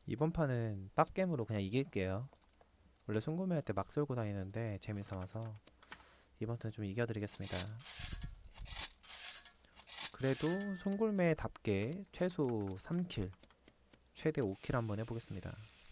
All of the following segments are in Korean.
이번 판은 빡겜으로 그냥 이길게요. 원래 송구매할 때 막 쏠고 다니는데 재미삼아서 이번 턴 좀 이겨드리겠습니다. 그래도 송골매답게 최소 3킬, 최대 5킬 한번 해보겠습니다.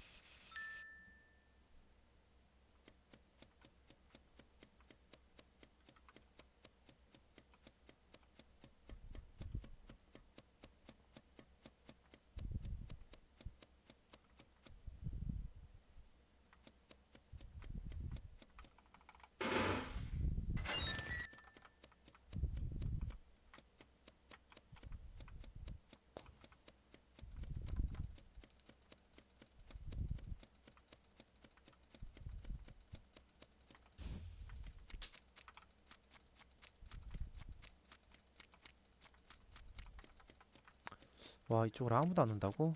와, 이쪽으로 아무도 안 온다고?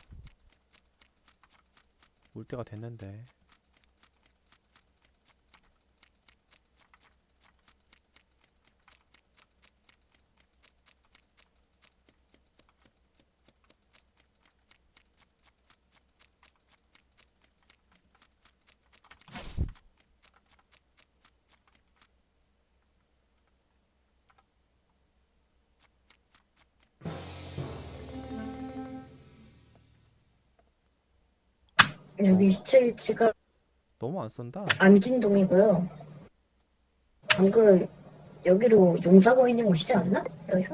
올 때가 됐는데. 여기 시체 위치가 너무 안 쏜다. 안진동이고요. 방금 여기로 용사거인님 오시지 않나? 여기서?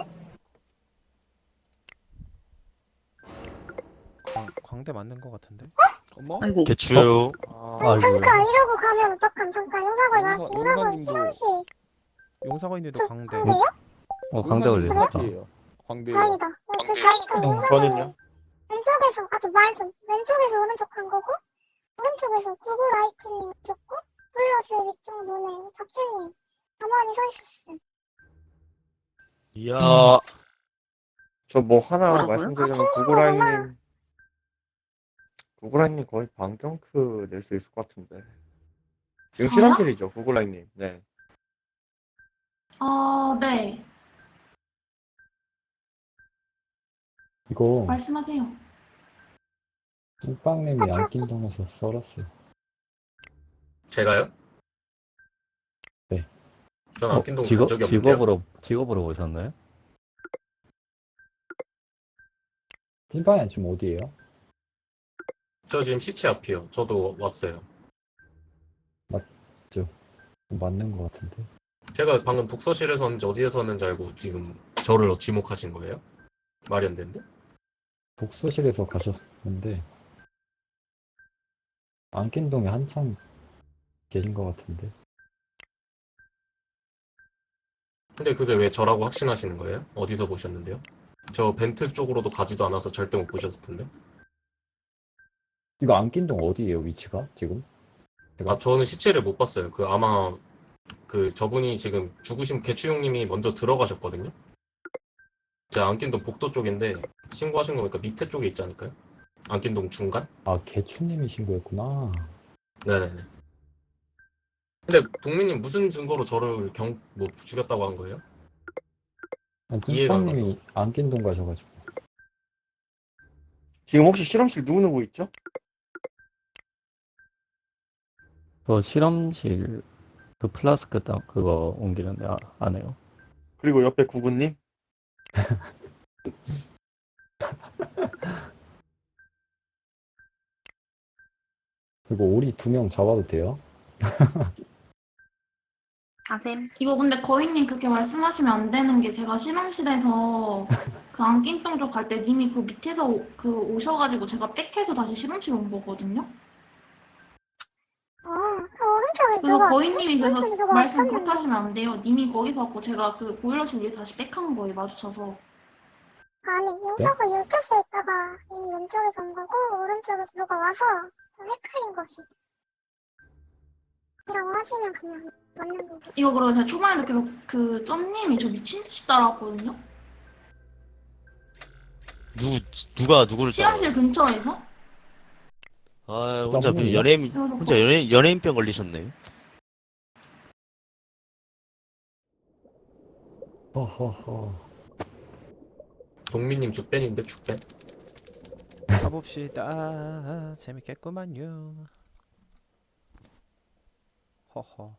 광대 맞는 것 같은데? 어머? 아이고. 개추요. 아, 아이고야. 이러고 가면 어떡함. 잠깐 용사고 용사님도 용사거인들도 광대. 광대요? 광대 걸리셨다. 광대예요. 광대. 다행이다. 저 저는요? 왼쪽에서 왼쪽에서 오른쪽 간 거고 오른쪽에서 구글 아이크님 줬고 블러실 위쪽 눈에 잡채님 가만히 서 있었어. 이야. 저 뭐 하나 뭐라고요? 말씀드리자면 친구구나. 구글라인님 거의 반경크 낼 수 있을 것 같은데. 지금 저요? 실험실이죠, 구글라인님. 네. 네. 이거 말씀하세요. 찐빵님이 안낀동에서 썰었어요. 제가요? 네. 전 안킨동 간 적이 없는데요. 직업으로 오셨나요? 찐빵이 지금 어디에요? 저 지금 시체 앞이요. 저도 왔어요. 맞는 것 같은데. 제가 방금 독서실에서 었는지 어디에서 었는지 알고 지금 저를 지목하신 거예요? 말이 안 되는데? 독서실에서 가셨는데 안낀동에 한참 계신 것 같은데. 근데 그게 왜 저라고 확신하시는 거예요? 어디서 보셨는데요? 저 벤트 쪽으로도 가지도 않아서 절대 못 보셨을 텐데. 이거 안낀동 어디에요, 위치가 지금? 아, 저는 시체를 못 봤어요. 그 아마 그 저분이 지금 죽으신 개추용님이 먼저 들어가셨거든요. 제 안킨동 복도 쪽인데 신고하신 거 보니까 밑에 쪽에 있지 않을까요? 안킨동 중간? 아, 개추님이신 거였구나. 네네네. 근데 동민님 무슨 증거로 저를 뭐 죽였다고 한 거예요? 이해가 안 찐빵님이 안낀동 가셔가지고. 지금 혹시 실험실 누구 있죠? 저 실험실 그 플라스크 딱 그거 옮기는데 안 해요. 그리고 옆에 구구님? 그리고 오리 2명 잡아도 돼요? 아셈. 이거 근데 거인님 그렇게 말씀하시면 안 되는 게 제가 실험실에서 그 안낀동 쪽 갈 때 님이 그 밑에서 오셔가지고 제가 백해서 다시 실험실 온 거거든요. 그 오른쪽에 그래서 누가 거인님이 그래서 오른쪽에 누가 말씀 왔었는데. 그렇게 하시면 안 돼요. 님이 거기서 왔고 제가 그 보일러실 위에서 다시 백한 거예요. 마주쳐서. 아니 용사고 12시에 있다가 이미 왼쪽에서 온 거고 오른쪽에서 누가 와서 좀 헷갈린 것이. 이라고 하시면 그냥 맞는 거고. 이거 그리고 제가 초반에 느껴서 그 점님이 저 미친 듯이 따라왔거든요. 누가 누구를 따라? 실험실 근처에서. 아, 혼자 썸네일이요? 연예인병 걸리셨네. 허허허. 동민님 죽ben인데 죽ben? 가봅시다. 재밌겠구만요. 허허.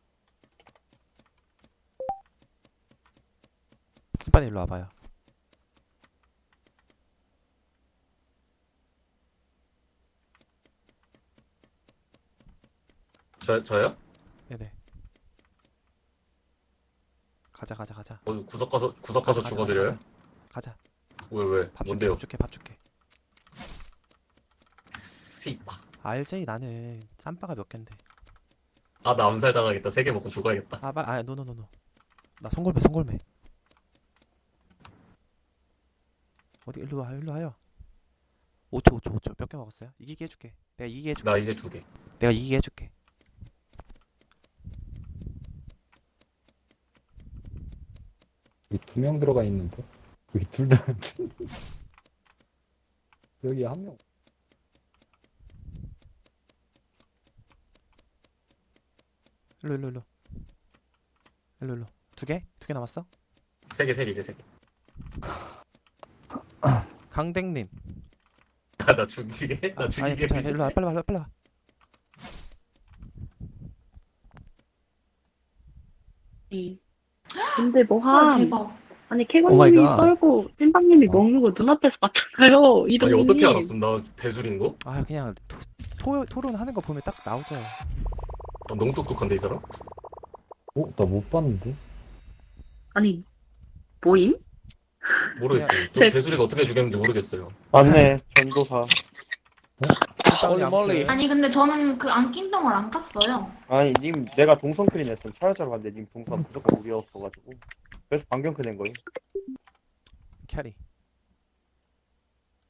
빨리 일로 와봐요. 저요? 네네. 가자 가자 가자. 구석 가서 죽어드려요? 가자. 왜? 밥 줄게 뭔데요? 밥 줄게 밥 줄게. 씨바. 알지 나는 쌈바가 몇 갠데. 아, 나 암살 당하겠다. 3개 먹고 죽어야겠다. 노노노노. 나 송골매. 어디 일로 와요. 5초. 몇 개 먹었어요? 이기게 해줄게. 내가 이기게 해줄게. 나 이제 2개. 내가 이기게 해줄게. 여기 2명 들어가 있는데? 여기 둘 다. 여기 한 명. 일로. 2개? 2개 남았어? 3개, 이제 3개. 강댕님. 나 죽이게? 나 아니 죽이게? 괜찮아. 일로 와. 빨리 와. 근데 뭐 헐, 함. 대박. 아니 오 캐건님이 마이 갓. 썰고 찐빵님이 어. 먹는 거 눈앞에서 봤잖아요. 아니, 이동님. 어떻게 알았음? 나 대술인 거? 그냥 토론하는 거 보면 딱 나오죠. 아, 너무 똑똑한데, 이 사람? 나 못 봤는데? 아니 뭐임? 모르겠어요. 제- 대술이가 어떻게 죽였는지 모르겠어요. 맞네, 전도사. 멀리. 아니 근데 저는 그 안낀똥을 안 깠어요. 아니, 님, 내가 동성클린 했으면 찾아자러 갔는데 님 동선 무조건 우리였어가지고. 그래서 방경크 낸 거임. 캐리.